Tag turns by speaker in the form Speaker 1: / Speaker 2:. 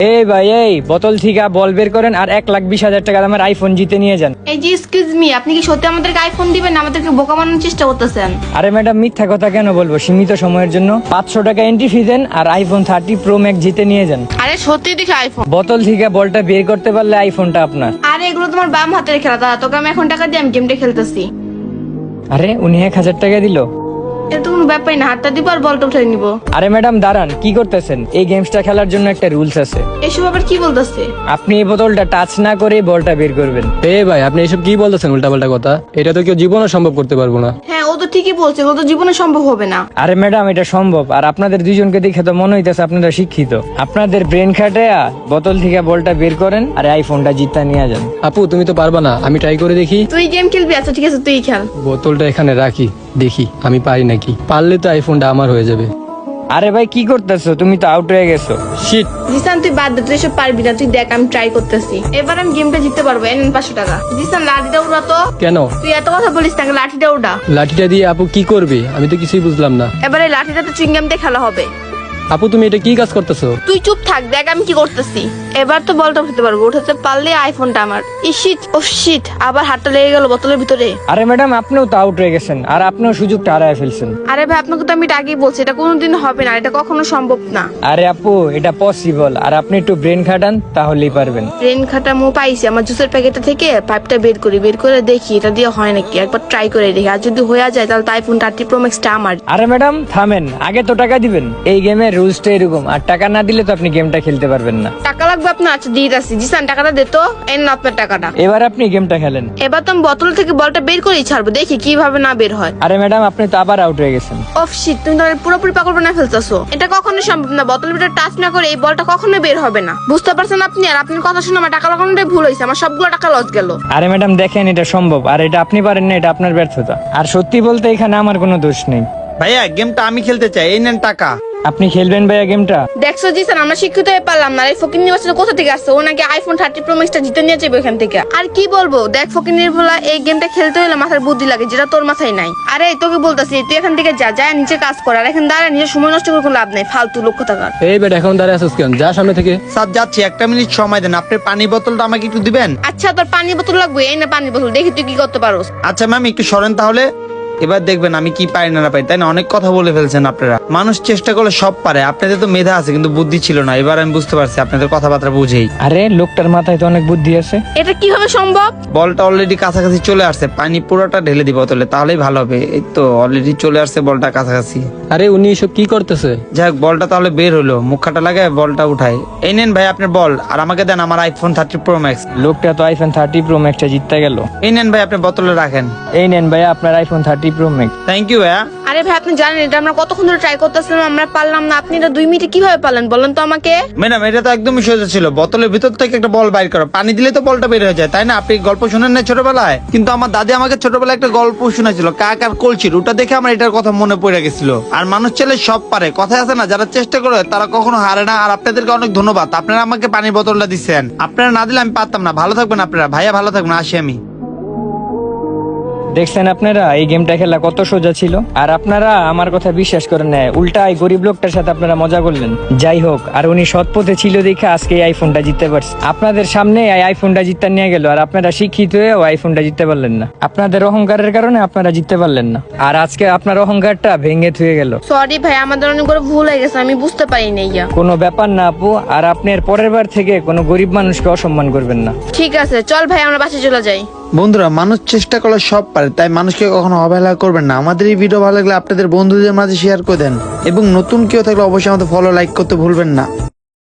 Speaker 1: এই ভাই, এই বোতল থেকে বল বের করেন আর 1,20,000 টাকা দামের আইফোন জিতে নিয়ে যান।
Speaker 2: এই যে এক্সকিউজ মি, আপনি কি সত্যি আমাদেরকে আইফোন দিবেন না আমাদেরকে বোকা বানানোর চেষ্টা করতেছেন?
Speaker 1: আরে ম্যাডাম, মিথ্যা কথা কেন বলবো? সীমিত সময়ের জন্য 500 টাকা এন্ট্রি ফি দেন আর আইফোন 30 প্রো ম্যাক্স জিতে নিয়ে যান।
Speaker 2: আরে সত্যি দেখি আইফোন।
Speaker 1: বোতল থেকে বলটা বের করতে পারলে আইফোনটা আপনার।
Speaker 2: আরে এগুলো তোমার বাম হাতের খেলা, দাদা তোকে আমি এখন টাকা দিয়ে আমি গেমটা খেলতেছি।
Speaker 1: আরে উনি 1,000 টাকা দিল।
Speaker 2: এটা তো কোনো ব্যাপারই না, হাতটা দিব আর বলটা উঠে নিব।
Speaker 1: আরে ম্যাডাম দাঁড়ান, কি করতেছেন? এই গেমসটা খেলার জন্য একটা রুলস আছে।
Speaker 2: এসব আবার কি বলতেছে?
Speaker 1: আপনি এই বোতলটা টাচ না করে বলটা বের করবেন।
Speaker 3: ভাই, আপনি এসব কি বলতেছেন উল্টাপাল্টা কথা? এটা তো কেউ জীবনও সম্ভব করতে পারবো না।
Speaker 2: হ্যাঁ, ও তো ঠিকই বলছে, ও তো জীবনে সম্ভব হবে না।
Speaker 1: আরে ম্যাডাম, এটা সম্ভব। আর আপনাদের দুইজনকে দেখে তো মনে হইতেছে আপনারা শিক্ষিত। আপনাদের ব্রেন খাটায়া বোতল থেকে বলটা বের করেন আর আইফোনটা জিতা নিয়ে যান।
Speaker 3: আপু, তুমি তো পারবা না, আমি ট্রাই করে দেখি।
Speaker 2: তুই গেম খেলবি? আচ্ছা ঠিক আছে, তুই খেল।
Speaker 3: বোতলটা এখানে রাখি, দেখি আমি পারি নাকি। পারলে তো আইফোনটা আমার হয়ে যাবে।
Speaker 1: আরে ভাই, কি করতেছো? তুমি তো আউট হয়ে গেছো।
Speaker 3: শিট।
Speaker 2: জিসান তুই বাদ দে, তুই এসব পারবি না। তুই দেখ আমি ট্রাই করতেছি, এবার আমি গেমটা জিততে পারবো। এনে 500 টাকা। জিসান লাঠিটা উড়া তো।
Speaker 3: কেন?
Speaker 2: তুই এত কথা বলিস না, লাঠিটা উড়া।
Speaker 3: লাঠিটা দিয়ে আপু কি করবে? আমি তো কিছুই বুঝলাম না।
Speaker 2: এবারে লাঠিটা তো চুইংগাম দিয়ে খেলা হবে।
Speaker 3: আপু, তুমি এটা কি কাজ করতেছো?
Speaker 2: তুই চুপ থাক, দেখ আমি কি করতেছি। এবার তো বলটা উঠাতে পারবো, উঠাতে পারলে আইফোনটা আমার। ইশিট, ও শিট, আবার হাতটা লেগে গেল বোতলের ভিতরে।
Speaker 1: আরে ম্যাডাম, আপনিও তো আউট হয়ে গেছেন আর আপনিও সুযোগটা হারায় ফেলছেন।
Speaker 2: আরে ভাই, আপনাকে তো আমি এটা আগেই বলছি, এটা কোনোদিন হবে না, এটা কখনো সম্ভব না।
Speaker 1: আরে আপু, এটা পসিবল। আর আপনি একটু ব্রেন খাটান, তাহলেই পারবেন।
Speaker 2: ট্রেন খাটা মো পাইছি, আমার জুসের প্যাকেটটা থেকে পাইপটা বের করি, বের করে দেখি এটা দিয়ে হয় নাকি। একবার ট্রাই করে দেখি, আর যদি হয়ে যায় তাহলে তো আইফোন 30 প্রো ম্যাক্সটা আমার।
Speaker 1: আরে ম্যাডাম থামেন, আগে তো টাকা দিবেন। এই গেমের রুলসটা এরকম, আর টাকা না দিলে তো আপনি গেমটা খেলতে পারবেন না।
Speaker 2: টাকা লাগবে আপনার? আচ্ছা দিয়ে আসছি। জিসান টাকাটা দে তো। এন আপনার টাকাটা।
Speaker 1: এবার আপনি গেমটা খেলেন।
Speaker 2: এবার তো আমি বোতল থেকে বলটা বের করেই ছাড়বো, দেখি কিভাবে না বের হয়।
Speaker 1: আরে ম্যাডাম, আপনি তো আবার আউট হয়ে গেছেন।
Speaker 2: অফ শিট, তুমি তো পুরোপুরি পাগল বানায় ফেলতেছো। এটা কখনোই সম্ভব না, বোতলের ভিতরে টাচ না করে এই বলটা কখনোই বের হবে না। বুঝতে পারছেন আপনি? আর আপনার কথা শুনে আমার টাকা লাগানোটাই ভুল হয়েছে, আমার সবগুলো টাকা লস গেল।
Speaker 1: আরে ম্যাডাম দেখেন, এটা সম্ভব। আর এটা আপনি পারেন না, এটা আপনার ব্যর্থতা। আর সত্যি বলতে এখানে আমার কোনো দোষ নেই।
Speaker 4: ভাইয়া গেমটা আমি খেলতে চাই, এই নেন টাকা।
Speaker 1: আপনি খেলবেন ভাইয়া গেমটা?
Speaker 2: দেখছো জিসান, আমরা শিক্ষিত হয়ে পারলাম না। এই ফকির নির্বাচনে কোথা থেকে আসছে? ও নাকি আইফোন 30 প্রো ম্যাক্সটা জিতে নিয়ে যাবে এখান থেকে। আর কি বলবো, দেখ ফকির নির্ভলা, এই গেমটা খেলতে হলে মাথার বুদ্ধি লাগে, যেটা তোর মাথায় নাই। আরে তোকে বলতাছি, তুই এখান থেকে যা, যা নিচে কাজ কর। আর এখন দাঁড়া, নিজের সময় নষ্ট করে কোনো লাভ নাই, ফালতু লক্ষ্য থাকার।
Speaker 3: এই বেটা, এখন দাঁড়িয়ে আছিস কেন? যা সামনে থেকে।
Speaker 4: স্যার যাচ্ছি, 1 মিনিট সময় দেন। আপনি পানি বোতলটা আমাকে একটু দিবেন?
Speaker 2: আচ্ছা, তোর পানির বোতল লাগবে? এই না পানির বোতল, দেখি তুই কি করতে পারোস।
Speaker 4: আচ্ছা ম্যাম, একটু সরেন তাহলে। এবার দেখবেন আমি কি পারি না পারি, তাই না? অনেক কথা বলে ফেলছেন আপনারা। মানুষ চেষ্টা করলে সব পারে। আপনাদের তো মেধা আছে কিন্তু বুদ্ধি ছিল না। এবার আমি বুঝতে পারছি আপনাদের কথাবার্তা বুঝেই।
Speaker 1: আরে লোকটার মাথায় তো অনেক বুদ্ধি আছে।
Speaker 2: এটা কিভাবে সম্ভব?
Speaker 4: বলটা অলরেডি কাছাকাছি চলে আসছে, পানি পুরোটা ঢেলে দিব বোতলে, তাহলেই ভালো হবে। এই তো অলরেডি চলে আসছে বলটা কাছাকাছি।
Speaker 3: আরে উনি এসব কি করতেছে?
Speaker 4: যাই হোক, বলটা তাহলে বের হলো। মুখটা লাগায় বলটা উঠাই। এই নেন ভাই আপনার বল, আর আমাকে দেন আমার আইফোন 30 প্রো ম্যাক্স।
Speaker 1: লোকটা তো আইফোন 30 প্রো ম্যাক্সটা জিততে গেল।
Speaker 4: এই নেন ভাই, আপনি বোতলে রাখেন।
Speaker 1: এই নেন ভাইয়া আপনার iPhone 30 pro max.
Speaker 4: Thank you ভাইয়া।
Speaker 2: আরে ভাই, আপনি জানেন এটা আমরা কতক্ষণ ধরে ট্রাই করতেছিলাম, আমরা পারলাম না। আপনি এটা 2 মিনিটে কিভাবে পারলেন বলেন তো আমাকে?
Speaker 4: ম্যাডাম এটা তো একদমই সোজা ছিল। বোতলের ভিতর থেকে একটা বল বাইর করো, পানি দিলে তো বলটা বের হয়ে যায়, তাই না? আপনি গল্প শুনেন না ছোটবেলায়? কিন্তু আমার দাদি আমাকে ছোটবেলায় একটা গল্প শোনাছিল, কাক আর কলসির। ওটা দেখে আমার এটার কথা মনে পড়ে গেছিল। আর মানুষ চাইলে সব পারে, কথা আছে না, যারা চেষ্টা করে তারা কখনো হারে না। আর আপনাদেরকে অনেক ধন্যবাদ, আপনারা আমাকে পানির বোতলটা দিচ্ছেন। আপনারা না দিলে আমি পারতাম না। ভালো থাকবেন আপনারা। ভাইয়া ভালো থাকবেন, আসি আমি।
Speaker 1: দেখছেন আপনারা, এই গেমটা খেলা কত সোজা ছিল। আর আপনারা আমার কথা বিশ্বাস করেন না, উল্টা এই গরিব লোকটার সাথে আপনারা মজা করলেন। যাই হোক, আর উনি সৎ পথে ছিল দেখে আজকে এই আইফোনটা জিততে পারছে। আপনাদের সামনে এই আইফোনটা জিততে নিয়ে গেল, আর আপনারা শিক্ষিত হয়ে আইফোনটা জিততে পারলেন না। আপনাদের অহংকারের কারণে আপনারা জিততে পারলেন না। আর আজকে আপনার অহংকারটা ভেঙে থুয়ে গেল।
Speaker 2: সরি ভাই, আমাদের অনেক বড় ভুল হয়ে গেছে, আমি বুঝতে পারিনি। ইয়া
Speaker 1: কোনো ব্যাপার না আপু। আর আপনি এর পরের বার থেকে কোনো গরিব মানুষকে অসম্মান করবেন না।
Speaker 2: ঠিক আছে, চল ভাই আমরা বাসে চলে যাই।
Speaker 4: বন্ধুরা, মানুষ চেষ্টা করলে সব পারে, তাই মানুষকে কখনো অবহেলা করবেন না। আমাদের এই ভিডিও ভালো লাগলে আপনাদের বন্ধুদের মাঝে শেয়ার করে দেন, এবং নতুন কেউ থাকলে অবশ্যই আমাদের ফলো লাইক করতে ভুলবেন না।